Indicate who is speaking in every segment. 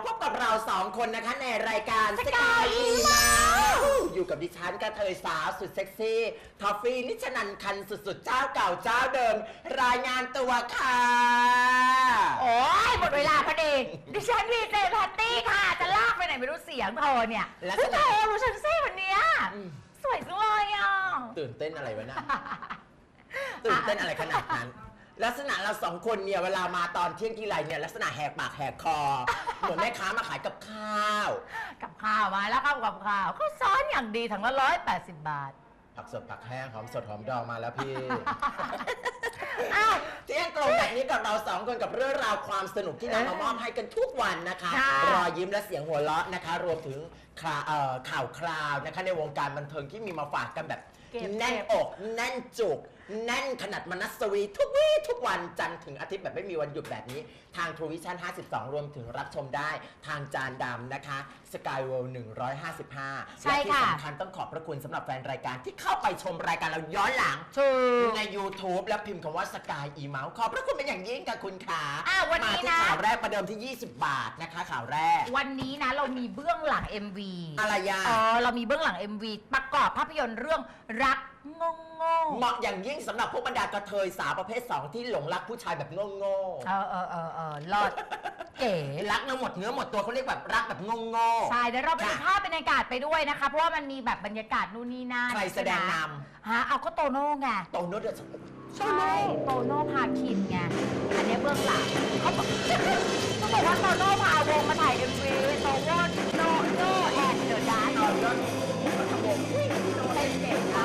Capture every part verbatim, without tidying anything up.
Speaker 1: พบกับเราสองคนนะคะในรายการสกายอีมาอยู่กับดิฉันกระเทยสาวสุดเซ็กซี่ทอฟฟี่นิชนันคันสุดๆเจ้าเก่าเจ้าเดิมรายงานตัวค่ะ
Speaker 2: โอ้ยหมดเวลาพอดีดิฉันวีเจแพตตี้ค่ะจะลากไปไหนไม่รู้เสียงเธอเนี่ยแล้วเธอรู้ฉันซี่วันนี้สวยจังเลยอ่ะ
Speaker 1: ตื่นเต้นอะไรวะเนี่ยตื่นเต้นอะไรขนาดนั้นลักษณะเราสองคนเนี่ยเวลามาตอนเที่ยงทีไรเนี่ยลักษณะแหกปากแหกคอเหมือนแม่ค้ามาขายกับข้าว
Speaker 2: กับข้าวมาแล้วครับกับข้าวเขาซ้อนอย่างดีถังละร้อยแปดสิบบาท
Speaker 1: ผักสดผักแห้งหอมสดหอมดองมาแล้วพี่เที่ยงตรงแบบนี้กับเราสองคนกับเรื่องราวความสนุกที่นำมามอบให้กันทุกวันนะคะรอยยิ้มและเสียงหัวเราะนะคะรวมถึงข่าวคราวนะคะในวงการบันเทิงที่มีมาฝากกันแบบแน่นอกแน่นจุกแน่นขนาดมนัสวีทุกวี่ทุกวันจันทร์ถึงอาทิตย์แบบไม่มีวันหยุดแบบนี้ทาง True Vision ห้าสิบสอง รวมถึงรับชมได้ทางจานดำนะคะ Sky World หนึ่งร้อยห้าสิบห้าและที่สำคัญต้องขอบพระคุณสำหรับแฟนรายการที่เข้าไปชมรายการเราย้อนหลังใน YouTube และพิมพ์คำว่า Sky E-Mouse ขอบพระคุณเป็นอย่างยิ่งกับคุณขามาที่ข่าวแรกประเดิมที่ยี่สิบบาทนะคะข่าวแรก
Speaker 2: วันนี้นะเรามีเบื้องหลัง เอ็ม วี
Speaker 1: อะไรยะ
Speaker 2: เออเรามีเบื้องหลัง เอ็ม วี ประกอบภาพยนตร์เรื่องรักงงง
Speaker 1: เหมาะอย่างยิ่งสำหรับพวกบรรดากระเทยสาวประเภทสองที่หลงรักผู้ชายแบบงงง
Speaker 2: เออเออเออเออรอดเก๋
Speaker 1: รักเนื้อหมดเนื้อหมดตัวเขาเรียกแบบรักแบบงงง
Speaker 2: ใช่เดี๋ยวเราไปดูภาพบรรยากาศไปด้วยนะคะเพราะว่ามันมีแบบบรรยากาศนู่นนี่นั่น
Speaker 1: ใครแสดงน
Speaker 2: ำฮะเอาก็โตโน่ไง
Speaker 1: โตโน่เดือด
Speaker 2: ใช่โตโน่พาคินไงอันนี้เบื้องหลังเขาบอกเขาบอกว่าโตโน่พาวงมาถ่าย เอ็ม วี โตโน่โนโน่แอนเดอะดาร์เป็นเด็กอ่ะ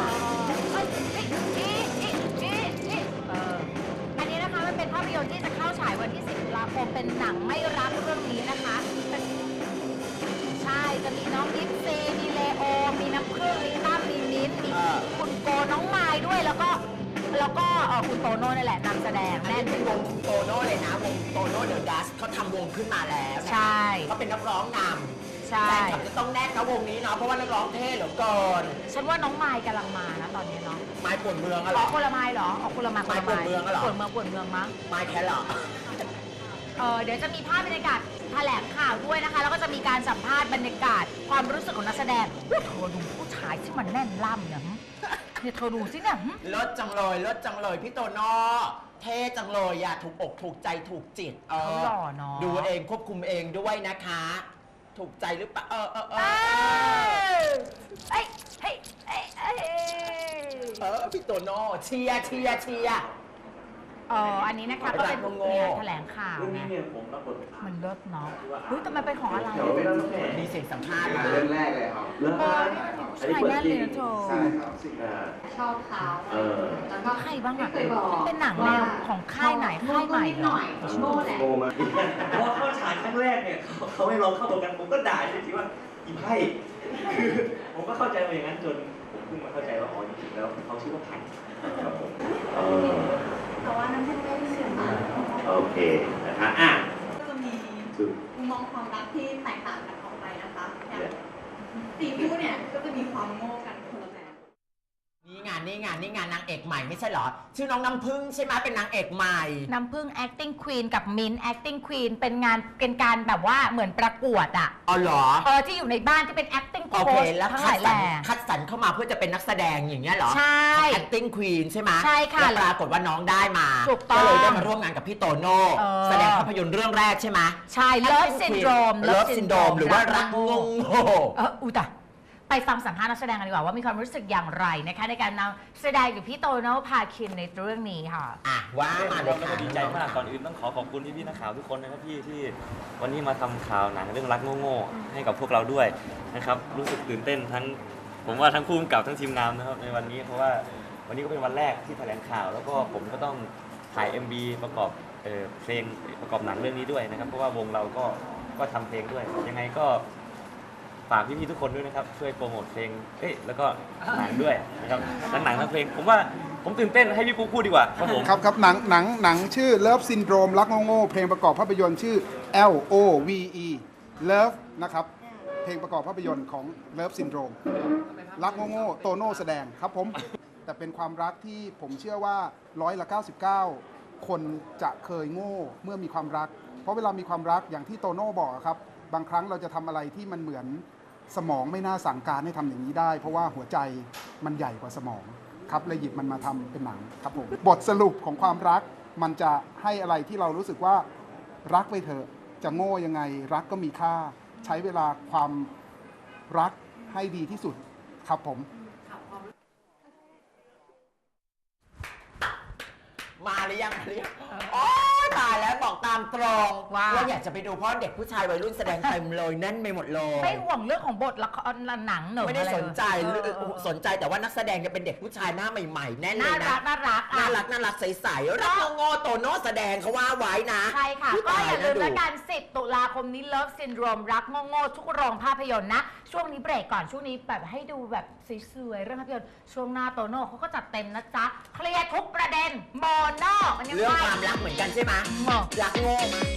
Speaker 2: อันนี้นะคะมันเป็นภาพยนตร์ที่จะเข้าฉายวันที่สิบตุลาคมเป็นหนังไม่รักเรื่องนี้นะคะใช่จะมีน้องยิปซีมีเลโอมีน้ำผึ้งมีตั้มมีมิ้นมีคุณโกน้องไม้ด้วยแล้วก็แล้วก็คุณโตโน่นี่แหละนำแสดง
Speaker 1: แน่นเป็นวงโตโน่เลยนะวงโตโน่เดอะดัสเขาทำวงขึ้นมาแล้ว
Speaker 2: ใช่
Speaker 1: เขาเป็นนักร้องนำใช่แฟนคลับจะต้องแน่นนะวงนี้เนาะเพราะว่านักร้องเท่เหลือเกิน
Speaker 2: ฉันว่าน้องไม้กำลังมานะตอนนี้เนาะ
Speaker 1: ไม้ปวดเมืองอะ
Speaker 2: หรอคนละไม้หรอออกคนละไม้
Speaker 1: ไม้ปวดเมืองอะหรอ
Speaker 2: ปวดเมืองปวดเมืองมั้ง
Speaker 1: ไม้แค่หรอ
Speaker 2: เออเดี๋ยวจะมีภาพบรรยากาศแถลงข่าวด้วยนะคะแล้วก็จะมีการสัมภาษณ์บรรยากาศความรู้สึกของนักแสดงว่าเธอดูผู้ชายที่มันแน่นล่ำเนี่ยเนี่ยเธอดูสิเนี่ย
Speaker 1: ลดจังเลยลดจังเลยพี่โตโน่เท่จังเลยอย่าถูกอกถูกใจถูกจิต
Speaker 2: เออหล่อเนาะ
Speaker 1: ดูเองควบคุมเองด้วยนะคะถูกใจหรือเปล่าเออเออเออ
Speaker 2: เฮ้ยเฮ้ยเฮ้ย
Speaker 1: เออพี่โตโน่เชียร์เชียร์เชียร์
Speaker 2: อ๋ออันนี้นะคะก็เป็นเนี่ยแถลงข่าวไงมันเลิศเนาะเฮ้ยแต่มันเป็นของอะไร
Speaker 1: มีเสียงสัมภาษณ์
Speaker 3: เรื่องแรกเลยครับ
Speaker 2: เรื่องใช่แน่เลยนะโธ่
Speaker 3: ใช่ครับ
Speaker 4: ชอบเขา
Speaker 2: แล้วก็ใครบ้างอะเป็นหนังแนวของค่ายไหนค่ายใหม่
Speaker 4: หน่อยโง่แหละ
Speaker 3: เพราะเข้าฉากครั้งแรกเนี่ยเขาให้ลองเข้าตัวกันผมก็ด่าจริงๆว่าอีไพ่คือผมก็เข้าใจมาอย่างนั้นจนผมเพิ่งมาเข้าใจว่าอ๋อจริงๆแล้วเขาชื่อว่าไผ่ครับผม
Speaker 4: แต่ว่าน้ำผึ้งไม่ได้เสียงมาก
Speaker 3: โอเคนะคะอ่ะ
Speaker 4: ก็จะมีมุมมองความรักที่แตกต่างกันออกไปนะคะอย่างตีคู่เนี่ยก็จะมีความโง่กันคนละแบบ
Speaker 1: นี่งานนี่งานนี่งานนางเอกใหม่ไม่ใช่เหรอชื่อน้องน้ำพึ่งใช่ไหมเป็นนางเอกใหม่
Speaker 2: น้ำพึ่ง acting queen กับมิ้น acting queen เป็นงานเป็นการแบบว่าเหมือนประกวดอ่ะ
Speaker 1: อ๋อเหรอ
Speaker 2: เออที่อยู่ในบ้านที่เป็น acting
Speaker 1: coach ทั้งหลายแหล่คัดสรรเข้ามาเพื่อจะเป็นนักแสดงอย่างเงี้ยเหรอ
Speaker 2: ใช่
Speaker 1: acting queen ใช่ไหม
Speaker 2: ใช่ค่ะ
Speaker 1: แล้วปรากฏว่าน้องได้มาก็เลยได้มาร่วมงานกับพี่โตโน่แสดงภาพยนตร์เรื่องแรกใช่ไหม
Speaker 2: ใช่ Love Syndrome
Speaker 1: Love Syndrome หรือว่ารักงงโง่
Speaker 2: เอออุตะไปฟังสัมภาษณ์นักแสดงกันดีกว่าว่ามีความรู้สึกอย่างไรนะคะในการนำแสดงกับพี่โตโน่พาคินในเรื่องนี้ค่ะ
Speaker 1: อ่ะว่ามาเลยค่ะ
Speaker 3: ดีใจมากก่อนอื่นต้องขอขอบคุณพี่พี่นักข่าวทุกคนนะครับพี่ที่วันนี้มาทำข่าวหนังเรื่องรักโง่ๆให้กับพวกเราด้วยนะครับรู้สึกตื่นเต้นทั้งผมว่าทั้งคู่กับทั้งทีมงานนะครับในวันนี้เพราะว่าวันนี้ก็เป็นวันแรกที่แถลงข่าวแล้วก็ผมก็ต้องถ่าย เอ็ม วี ประกอบเพลงประกอบหนังเรื่องนี้ด้วยนะครับเพราะว่าวงเราก็ก็ทำเพลงด้วยยังไงก็ฝากพี่ๆทุกคนด้วยนะครับช่วยโปรโมทเพลงเอ้ยแล้วก็หนังด้วยนะครับทั้งหนังทั้งเพลงผมว่าผมตื่นเต้นให้พี่ปุ๊กพูดดีกว่าครับผม
Speaker 5: ครับครับหนังหนังหนังชื่อ Love Syndrome รักโง่ๆเพลงประกอบภาพยนตร์ชื่อ L O V E Love นะครับเพลงประกอบภาพยนตร์ของ Love Syndrome รักโง่ๆโตโน่แสดงครับผมแต่เป็นความรักที่ผมเชื่อว่าร้อยละเก้าสิบเก้าคนจะเคยโง่เมื่อมีความรักเพราะเวลามีความรักอย่างที่โตโน่บอกครับบางครั้งเราจะทำอะไรที่มันเหมือนสมองไม่น่าสั่งการให้ทำอย่างนี้ได้ เพราะว่าหัวใจมันใหญ่กว่าสมองครับเลยหยิบมันมาทำเป็นหนังครับผมบทสรุปของความรักมันจะให้อะไรที่เรารู้สึกว่ารักไปเถอะจะโง่ยังไงรักก็มีค่าใช้เวลาความรักให้ดีที่สุดครับผม
Speaker 1: มาหรือยังมาหรือยังโอ้ยตายแล้วบอกตามตรง
Speaker 2: ว่า
Speaker 1: อยากจะไปดูเพราะเด็กผู้ชายวัยรุ่นแสดงเต็มเลยแน่นไปหมดเลย
Speaker 2: ไม่ห่วงเรื่องของบทละครหนังเหนอะ
Speaker 1: ไม่ได้
Speaker 2: อะร
Speaker 1: สนใจ
Speaker 2: เออเออเออ
Speaker 1: สนใจแต่ว่านักแสดงจะเป็นเด็กผู้ชายหน้าใหม่ๆแน่นเล
Speaker 2: น่าย
Speaker 1: นะ
Speaker 2: รักน่ารักอ่ะ
Speaker 1: น่ารักน่ารักใสๆรักโง่ๆโตโน่แสดงเขาว่าไว้นะ
Speaker 2: ใช่ค่ะ
Speaker 1: อุ๊
Speaker 2: ก็อย่าลืม
Speaker 1: ต
Speaker 2: แล้ว
Speaker 1: ดู
Speaker 2: กันสิบตุลาคมนี้ Love Syndrome รักโง่ๆทุกโรงภาพยนตร์นะ ช่วงนี้เบรกก่อนช่วงนี้แบบให้ดูแบบสวยๆเรื่องภาพยนตร์ช่วงหน้าโตโน่เขาก็จัดเต็มนะจ๊ะ เคลียร์ทุกประเด็นโมโนมันยัง
Speaker 1: เรื่อง
Speaker 2: ไง
Speaker 1: ความรักเหมือนกันใช่ไหม
Speaker 2: หมอ
Speaker 1: รักโง่มั้ย